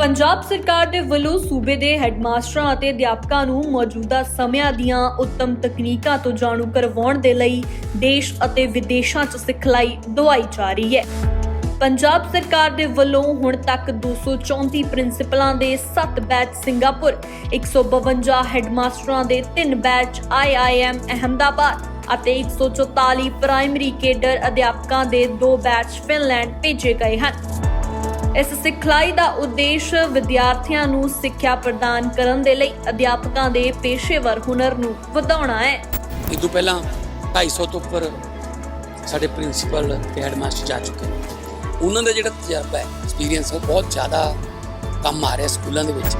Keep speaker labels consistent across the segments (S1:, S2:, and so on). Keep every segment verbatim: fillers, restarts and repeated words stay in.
S1: ਪੰਜਾਬ ਸਰਕਾਰ ਦੇ ਵੱਲੋਂ ਸੂਬੇ ਦੇ ਹੈੱਡਮਾਸਟਰਾਂ ਅਤੇ ਅਧਿਆਪਕਾਂ ਨੂੰ ਮੌਜੂਦਾ ਸਮਿਆਂ ਦੀਆਂ ਉੱਤਮ ਤਕਨੀਕਾਂ ਤੋਂ ਜਾਣੂ ਕਰਵਾਉਣ ਦੇ ਲਈ ਦੇਸ਼ ਅਤੇ ਵਿਦੇਸ਼ਾਂ 'ਚ ਸਿਖਲਾਈ ਦਿਵਾਈ ਜਾ ਰਹੀ ਹੈ। ਪੰਜਾਬ ਸਰਕਾਰ ਦੇ ਵੱਲੋਂ ਹੁਣ ਤੱਕ ਦੋ ਸੌ ਚੌਂਤੀ ਪ੍ਰਿੰਸੀਪਲਾਂ ਦੇ ਸੱਤ ਬੈਚ ਸਿੰਗਾਪੁਰ, ਇੱਕ ਸੌ ਬਵੰਜਾ ਹੈੱਡਮਾਸਟਰਾਂ ਦੇ ਤਿੰਨ batch I I M Ahmedabad ਅਤੇ ਇੱਕ ਸੌ ਚੁਤਾਲੀ ਪ੍ਰਾਇਮਰੀ ਕੇਡਰ ਅਧਿਆਪਕਾਂ ਦੇ ਦੋ ਬੈਚ ਫਿਨਲੈਂਡ ਭੇਜੇ ਗਏ ਹਨ। ਇਸ ਸਿਖਲਾਈ ਦਾ ਉਦੇਸ਼ ਵਿਦਿਆਰਥੀਆਂ ਨੂੰ ਸਿੱਖਿਆ ਪ੍ਰਦਾਨ ਕਰਨ ਦੇ ਲਈ ਅਧਿਆਪਕਾਂ ਦੇ ਪੇਸ਼ੇਵਰ ਹੁਨਰ ਨੂੰ ਵਧਾਉਣਾ ਹੈ।
S2: ਇਸ ਤੋਂ ਪਹਿਲਾਂ ਢਾਈ ਸੌ ਤੋਂ ਉੱਪਰ ਸਾਡੇ ਪ੍ਰਿੰਸੀਪਲ ਤੇ ਹੈਡਮਾਸਟਰ ਜਾ ਚੁੱਕੇ ਨੇ। ਉਹਨਾਂ ਦਾ ਜਿਹੜਾ ਤਜਰਬਾ ਹੈ, ਐਕਸਪੀਰੀਅੰਸ ਉਹ ਬਹੁਤ ਜ਼ਿਆਦਾ ਕੰਮ ਆ ਰਿਹਾ ਸਕੂਲਾਂ ਦੇ ਵਿੱਚ।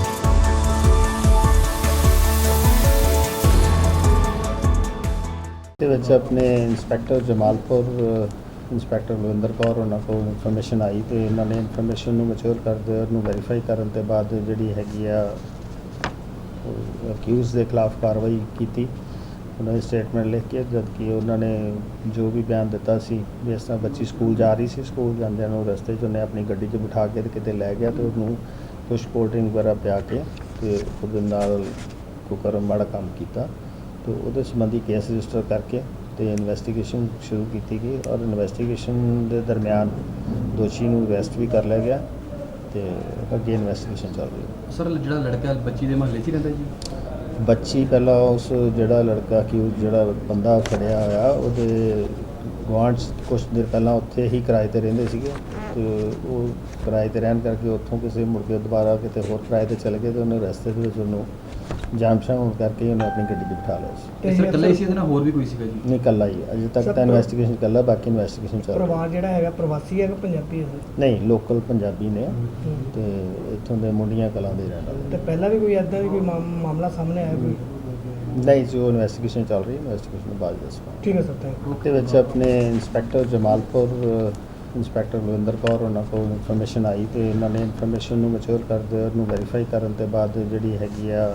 S3: ਦੇ ਵਿੱਚ ਆਪਣੇ ਇੰਸਪੈਕਟਰ ਜਮਾਲਪੁਰ ਇੰਸਪੈਕਟਰ ਲਵਿੰਦਰ ਕੌਰ ਉਹਨਾਂ ਕੋਲ ਇਨਫੋਰਮੇਸ਼ਨ ਆਈ ਤੇ ਇਹਨਾਂ ਨੇ ਇਨਫੋਰਮੇਸ਼ਨ ਨੂੰ ਮੈਚੁਰ ਕਰਦੇ ਉਹਨੂੰ ਵੈਰੀਫਾਈ ਕਰਨ ਤੋਂ ਬਾਅਦ ਜਿਹੜੀ ਹੈਗੀ ਆ ਅਕਿਊਜ਼ ਦੇ ਖਿਲਾਫ ਕਾਰਵਾਈ ਕੀਤੀ। ਉਹਨਾਂ ਨੇ ਸਟੇਟਮੈਂਟ ਲਿਖ ਕੇ ਜਦ ਕਿ ਉਹਨਾਂ ਨੇ ਜੋ ਵੀ ਬਿਆਨ ਦਿੱਤਾ ਸੀ ਵੀ ਇਸ ਤਰ੍ਹਾਂ ਬੱਚੀ ਸਕੂਲ ਜਾ ਰਹੀ ਸੀ, ਸਕੂਲ ਜਾਂਦਿਆਂ ਨੂੰ ਰਸਤੇ 'ਚ ਉਹਨੇ ਆਪਣੀ ਗੱਡੀ 'ਚ ਬਿਠਾ ਕੇ ਤੇ ਕਿਤੇ ਲੈ ਗਿਆ ਤੇ ਉਹਨੂੰ ਕੁਛ ਕੋਲਡ ਡਰਿੰਕ ਵਗੈਰਾ ਪਿਆ ਕੇ ਤੇ ਉਹਦੇ ਨਾਲ ਕੁਕਰਮ ਮਾੜਾ ਕੰਮ ਕੀਤਾ ਤੇ ਉਹਦੇ ਸੰਬੰਧੀ ਕੇਸ ਰਜਿਸਟਰ ਕਰਕੇ ਤੇ ਇਨਵੈਸਟੀਗੇਸ਼ਨ ਸ਼ੁਰੂ ਕੀਤੀ ਗਈ ਔਰ ਇਨਵੈਸਟੀਗੇਸ਼ਨ ਦੇ ਦਰਮਿਆਨ ਦੋਸ਼ੀ ਨੂੰ ਅਰੈਸਟ ਵੀ ਕਰ ਲਿਆ ਗਿਆ ਤੇ ਅੱਗੇ ਇਨਵੈਸਟੀਗੇਸ਼ਨ ਚੱਲ ਰਹੀ ਹੈ।
S4: ਸਰ ਜਿਹੜਾ ਲੜਕਾ ਬੱਚੀ ਦੇ ਮਹੱਲੇ 'ਚ ਹੀ ਰਹਿੰਦਾ ਜੀ?
S3: ਬੱਚੀ ਪਹਿਲਾਂ ਉਸ ਜਿਹੜਾ ਲੜਕਾ ਕਿ ਜਿਹੜਾ ਬੰਦਾ ਫੜਿਆ ਹੋਇਆ ਉਹਦੇ ਗੁਆਂਢ ਕੁਛ ਦਿਨ ਪਹਿਲਾਂ ਉੱਥੇ ਹੀ ਕਿਰਾਏ 'ਤੇ ਰਹਿੰਦੇ ਸੀਗੇ ਤੇ ਉਹ ਕਿਰਾਏ 'ਤੇ ਰਹਿਣ ਕਰਕੇ ਉੱਥੋਂ ਕਿਸੇ ਮੁੜ ਕੇ ਦੁਬਾਰਾ ਕਿਤੇ ਹੋਰ ਕਿਰਾਏ 'ਤੇ ਚਲੇ ਗਏ ਤੇ ਉਹਨੇ ਰਸਤੇ ਦੇ ਵਿੱਚ ਉਹਨੂੰ ਜਾਮਸ਼ਾਨ ਹੋਣ ਕਰਕੇ ਉਹਨੇ ਆਪਣੀ ਗੱਡੀ 'ਚ ਬਿਠਾ ਲਿਆ ਸੀ।
S4: ਤੇ ਸਰ ਇਕੱਲਾ ਹੀ ਸੀ, ਇਹਦੇ ਨਾਲ ਹੋਰ ਵੀ ਕੋਈ ਸੀਗਾ ਜੀ?
S3: ਨਹੀਂ, ਇਕੱਲਾ ਹੀ ਅਜੇ ਤੱਕ ਤਾਂ ਇਨਵੈਸਟੀਗੇਸ਼ਨ ਇਕੱਲਾ, ਬਾਕੀ ਇਨਵੈਸਟੀਗੇਸ਼ਨ ਚੱਲ ਰਹੀ ਹੈ।
S5: ਪਰਿਵਾਰ ਜਿਹੜਾ ਹੈਗਾ ਪ੍ਰਵਾਸੀ ਹੈਗਾ ਪੰਜਾਬੀ ਹੈ?
S3: ਨਹੀਂ, ਲੋਕਲ ਪੰਜਾਬੀ ਨੇ ਤੇ ਇੱਥੋਂ ਦੇ ਮੁੰਡੀਆਂ ਕਲਾਂ ਦੇ ਰਹਿਣ ਵਾਲੇ।
S5: ਤੇ ਪਹਿਲਾਂ ਵੀ ਕੋਈ ਐਦਾਂ ਦੀ ਕੋਈ ਮਾਮ- ਮਾਮਲਾ ਸਾਹਮਣੇ ਆਇਆ ਕੋਈ?
S3: ਨਹੀਂ, ਜੋ ਇਨਵੈਸਟੀਗੇਸ਼ਨ ਚੱਲ ਰਹੀ ਹੈ, ਇਨਵੈਸਟੀਗੇਸ਼ਨ ਤੋਂ ਬਾਅਦ ਦੱਸਣਾ।
S5: ਠੀਕ ਹੈ ਸਰ, ਥੈਂਕ ਯੂ।
S3: ਉਹਦੇ ਵਿੱਚ ਆਪਣੇ ਇੰਸਪੈਕਟਰ ਜਮਾਲਪੁਰ ਇੰਸਪੈਕਟਰ ਲਵਿੰਦਰ ਕੌਰ ਉਹਨਾਂ ਕੋਲ ਇਨਫੋਰਮੇਸ਼ਨ ਆਈ ਤੇ ਇਹਨਾਂ ਨੇ ਇਨਫੋਰਮੇਸ਼ਨ ਨੂੰ ਮੈਚੁਰ ਕਰਦੇ ਉਹਨੂੰ ਵੈਰੀਫਾਈ ਕਰਨ ਤੋਂ ਬਾਅਦ ਜਿਹੜੀ ਹੈਗੀ ਆ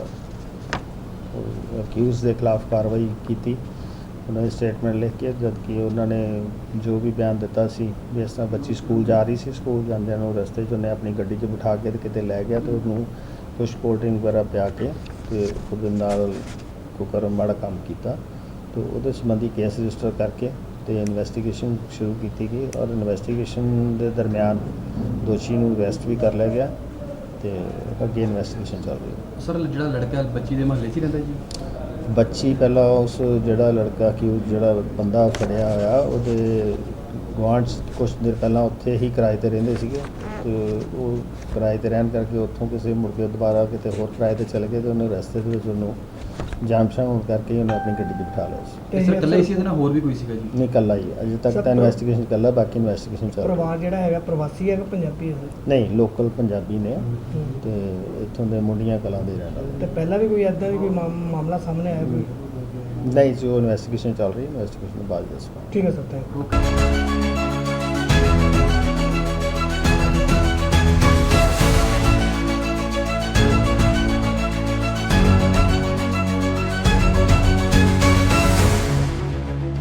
S3: ਅਕਿਊਜ਼ ਦੇ ਖਿਲਾਫ ਕਾਰਵਾਈ ਕੀਤੀ। ਉਹਨਾਂ ਨੇ ਸਟੇਟਮੈਂਟ ਲਿਖ ਕੇ ਜਦ ਕਿ ਉਹਨਾਂ ਨੇ ਜੋ ਵੀ ਬਿਆਨ ਦਿੱਤਾ ਸੀ ਵੀ ਇਸ ਤਰ੍ਹਾਂ ਬੱਚੀ ਸਕੂਲ ਜਾ ਰਹੀ ਸੀ, ਸਕੂਲ ਜਾਂਦਿਆਂ ਨੂੰ ਰਸਤੇ 'ਚ ਉਹਨੇ ਆਪਣੀ ਗੱਡੀ 'ਚ ਬਿਠਾ ਕੇ ਤੇ ਕਿਤੇ ਲੈ ਗਿਆ ਤੇ ਉਹਨੂੰ ਕੁਛ ਕੋਲਡ ਡਰਿੰਕ ਵਗੈਰਾ ਪਿਆ ਕੇ ਤੇ ਉਹਦੇ ਨਾਲ ਕੁਕਰਮ ਮਾੜਾ ਕੰਮ ਕੀਤਾ ਤੇ ਉਹਦੇ ਸੰਬੰਧੀ ਕੇਸ ਰਜਿਸਟਰ ਕਰਕੇ ਤੇ ਇਨਵੈਸਟੀਗੇਸ਼ਨ ਸ਼ੁਰੂ ਕੀਤੀ ਗਈ ਔਰ ਇਨਵੈਸਟੀਗੇਸ਼ਨ ਦੇ ਦਰਮਿਆਨ ਦੋਸ਼ੀ ਨੂੰ ਅਰੈਸਟ ਵੀ ਕਰ ਲਿਆ ਗਿਆ ਤੇ ਅੱਗੇ ਇਨਵੈਸਟੀਗੇਸ਼ਨ ਚੱਲ ਰਹੀ ਹੈ।
S4: ਸਰ ਜਿਹੜਾ ਲੜਕਾ ਬੱਚੀ ਦੇ ਮਹੱਲੇ 'ਚ ਹੀ ਰਹਿੰਦਾ ਜੀ?
S3: ਬੱਚੀ ਪਹਿਲਾਂ ਉਸ ਜਿਹੜਾ ਲੜਕਾ ਕਿ ਜਿਹੜਾ ਬੰਦਾ ਫੜਿਆ ਹੋਇਆ ਉਹਦੇ ਗੁਆਂਢ ਕੁਛ ਦਿਨ ਪਹਿਲਾਂ ਉੱਥੇ ਹੀ ਕਿਰਾਏ 'ਤੇ ਰਹਿੰਦੇ ਸੀਗੇ ਤੇ ਉਹ ਕਿਰਾਏ 'ਤੇ ਰਹਿਣ ਕਰਕੇ ਉੱਥੋਂ ਕਿਸੇ ਮੁੜ ਕੇ ਦੁਬਾਰਾ ਕਿਤੇ ਹੋਰ ਕਿਰਾਏ 'ਤੇ ਚਲੇ ਗਏ ਤੇ ਉਹਨੇ ਰਸਤੇ ਦੇ ਵਿੱਚ ਉਹਨੂੰ ਜਾਮਸ਼ਾਨ ਹੋਣ ਕਰਕੇ ਉਹਨੇ ਆਪਣੀ ਗੱਡੀ 'ਚ ਬਿਠਾ ਲਿਆ ਸੀ।
S4: ਤੇ ਸਰ ਇਕੱਲਾ ਹੀ ਸੀ, ਇਹਦੇ ਨਾਲ ਹੋਰ ਵੀ ਕੋਈ ਸੀਗਾ ਜੀ?
S3: ਨਹੀਂ, ਇਕੱਲਾ ਹੀ ਅਜੇ ਤੱਕ ਤਾਂ ਇਨਵੈਸਟੀਗੇਸ਼ਨ ਇਕੱਲਾ, ਬਾਕੀ ਇਨਵੈਸਟੀਗੇਸ਼ਨ ਚੱਲ ਰਹੀ ਹੈ।
S5: ਪਰਿਵਾਰ ਜਿਹੜਾ ਹੈਗਾ ਪ੍ਰਵਾਸੀ ਹੈਗਾ ਪੰਜਾਬੀ ਹੈ?
S3: ਨਹੀਂ, ਲੋਕਲ ਪੰਜਾਬੀ ਨੇ ਤੇ ਇੱਥੋਂ ਦੇ ਮੁੰਡੀਆਂ ਕਲਾਂ ਦੇ ਰਹਿਣ ਵਾਲੇ।
S5: ਤੇ ਪਹਿਲਾਂ ਵੀ ਕੋਈ ਐਦਾਂ ਦੀ ਕੋਈ ਮਾਮ- ਮਾਮਲਾ ਸਾਹਮਣੇ ਆਇਆ ਕੋਈ?
S3: ਨਹੀਂ, ਜੋ ਇਨਵੈਸਟੀਗੇਸ਼ਨ ਚੱਲ ਰਹੀ ਹੈ, ਇਨਵੈਸਟੀਗੇਸ਼ਨ ਤੋਂ ਬਾਅਦ ਦੱਸਣਾ।
S5: ਠੀਕ ਹੈ ਸਰ, ਥੈਂਕ ਯੂ।
S4: ਓਕੇ।